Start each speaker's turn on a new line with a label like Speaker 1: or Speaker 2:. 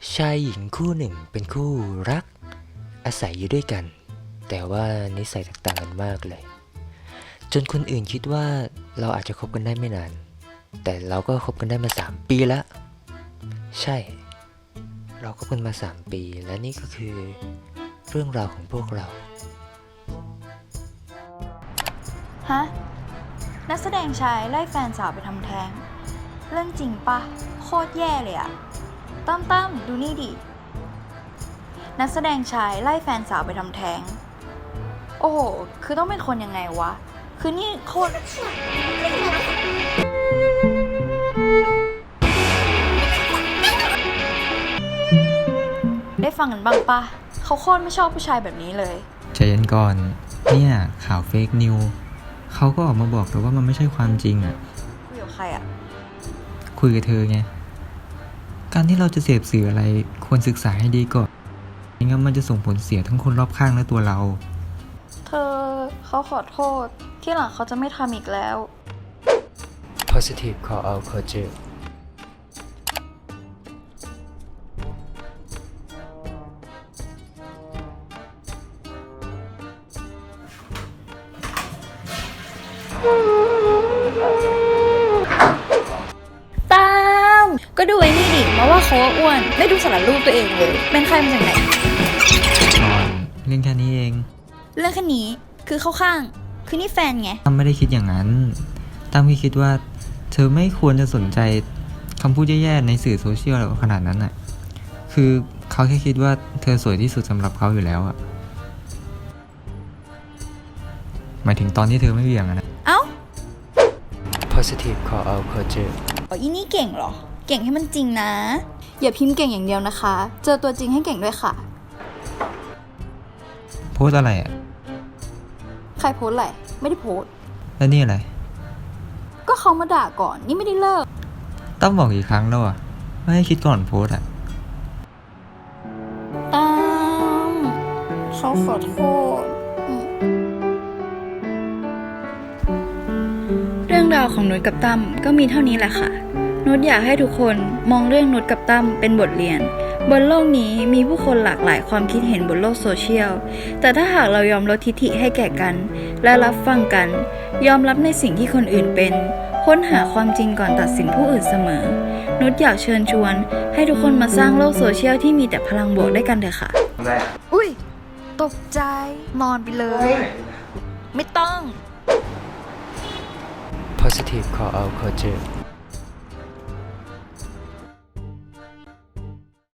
Speaker 1: ชายหญิงคู่หนึ่งเป็นคู่รักอาศัยอยู่ด้วยกันแต่ว่านิสัยแตกต่างกันมากเลยจนคนอื่นคิดว่าเราอาจจะคบกันได้ไม่นานแต่เราก็คบกันได้มา3 ปีแล้วใช่เราคบกันมา3 ปีและนี่ก็คือเรื่องราวของพวกเรา
Speaker 2: ฮะนักแสดงชายไล่แฟนสาวไปทำแท้งเรื่องจริงปะโคตรแย่เลยอะตั้มดูนี่ดินักแสดงชายไล่แฟนสาวไปทำแท้งโอ้โหคือต้องเป็นคนยังไงวะคือนี่โคตรได้ฟังกันบ้างปะเขาโคตรไม่ชอบผู้ชายแบบนี้เลย
Speaker 3: ใจเย็นก่อนเนี่ยข่าวเฟกนิวเขาก็ออกมาบอกแต่ว่ามันไม่ใช่ความจริงอ่ะ
Speaker 2: คุยกับใครอ่ะ
Speaker 3: คุยกับเธอไงการที่เราจะเสพสื่ออะไรควรศึกษาให้ดีก่อนไม่งั้นมันจะส่งผลเสียทั้งคนรอบข้างและตัวเรา
Speaker 2: เธอเขาขอโทษที่หลังเขาจะไม่ทำอีกแล้ว
Speaker 1: positive call out culture
Speaker 2: ตามก็ดูไอ้นี่ดิมาว่าเขาอ้วนไม่ดูสารรูปตัวเองเลยเป็นใครมาจากไหน
Speaker 3: นอนเรื่องแค่นี้เอง
Speaker 2: เรื่องแค่นี้คือเข้าข้างคือนี่แฟนไง
Speaker 3: ตั้มไม่ได้คิดอย่างนั้นตั้มคิดว่าเธอไม่ควรจะสนใจคำพูดแย่ๆในสื่อโซเชียลอะไรขนาดนั้นอ่ะคือเขาแค่คิดว่าเธอสวยที่สุดสำหรับเขาอยู่แล้วอ่ะหมายถึงตอนที่เธอไม่เบี่ยงอะนะ
Speaker 2: เอ้า
Speaker 1: positive call out culture
Speaker 2: อีนี่เก่งเหรอเก่งให้มันจริงนะอย่าพิมพ์เก่งอย่างเดียวนะคะเจอตัวจริงให้เก่งด้วยค่ะ
Speaker 3: โพสอะไรอ่ะ
Speaker 2: ใครโพสอะไรไม่ได้โพส
Speaker 3: แล้วนี่อะไร
Speaker 2: ก็เขามาด่าก่อนนี่ไม่ได้เลิก
Speaker 3: ตั้มบอกกี่ครั้งแล้วอ่ะไม่ให้คิดก่อนโพสอ่ะ
Speaker 2: เขาขอโทษเรื่องราวของนุชกับตั้มก็มีเท่านี้แหละค่ะนุชอยากให้ทุกคนมองเรื่องนุชกับตั้มเป็นบทเรียนบนโลกนี้มีผู้คนหลากหลายความคิดเห็นบนโลกโซเชียลแต่ถ้าหากเรายอมลดทิฐิให้แก่กันและรับฟังกันยอมรับในสิ่งที่คนอื่นเป็นค้นหาความจริงก่อนตัดสินผู้อื่นเสมอนุชอยากเชิญชวนให้ทุกคนมาสร้างโลกโซเชียลที่มีแต่พลังบวกด้วยกันเถอะค่ะอุ้ยตกใจนอนไปเลยไม่ต้อง
Speaker 1: positive call out culture